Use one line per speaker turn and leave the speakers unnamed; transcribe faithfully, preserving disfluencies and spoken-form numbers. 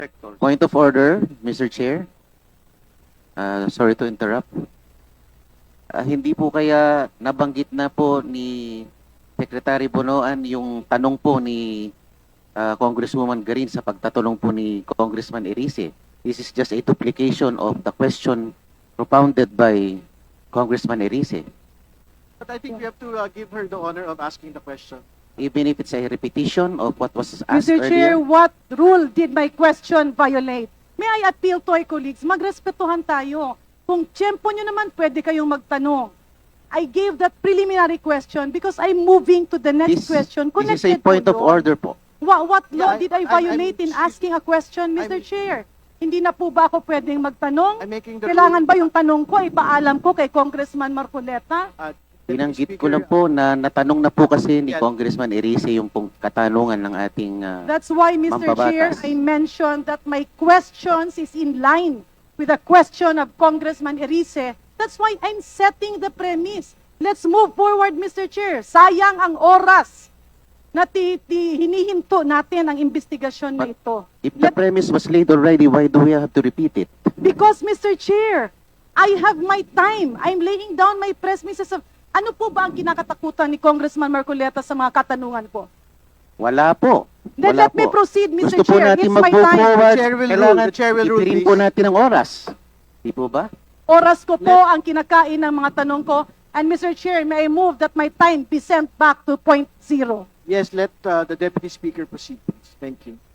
Sector.
Point of order, Mister Chair. Uh, sorry to interrupt. Ah, hindi po kaya nabanggit na po ni Secretary Bonoan yung tanong po ni ah, Congresswoman Garin sa pagtatanong po ni Congressman Erice. This is just a duplication of the question propounded by Congressman Erice.
But I think we have to uh, give her the honor of asking the question.
Even if it's a repetition of what was asked
Mister Chair,
earlier.
what rule did my question violate? May I appeal to our colleagues, magrespetuhan tayo. Kung tiyempo nyo naman, pwede kayong magtanong. I gave that preliminary question because I'm moving to the next
This,
question.
this is a
Connected
point
to
of
yun.
order po.
What, what law
Yeah, I-
did I
I'm-
violate
I'm-
in asking a question, Mister
I'm-
Chair? Hindi na po ba ako pwedeng magtanong?
I'm making the
Kailangan
rule-
ba yung tanong ko, ipaalam ko kay Congressman Marcoleta?
Uh,
Binanggit
Deputy
ko lang
Speaker,
po na natanong na po kasi ni
Yeah.
Congressman Erice yung pong katanungan ng ating ah,
That's why, Mister Chair,
Mambabatas.
I mentioned that my questions is in line with the question of Congressman Erice. That's why I'm setting the premise. Let's move forward, Mister Chair. Sayang ang oras na ti, ti, hinihinto natin ang investigasyon na
But-
ito.
if the
Let-
premise was laid already, why do we have to repeat it?
Because, Mister Chair, I have my time. I'm laying down my premises of ano po ba ang kinakatakutan ni Congressman Marcoleta sa mga katanungan ko?
Wala po.
Then
Wala
let me
po.
proceed, Mister
Gusto po
Chair.
natin
It's my
mag-move
time.
forward.
The chair will
Kailangan
rule. The chair will rule,
itirin po
please.
natin ang oras. Di po ba?
Oras ko po ang kinakain ng mga tanong ko. And Mister Chair, may I move that my time be sent back to point zero?
Yes, let uh, the Deputy Speaker proceed, please. Thank you.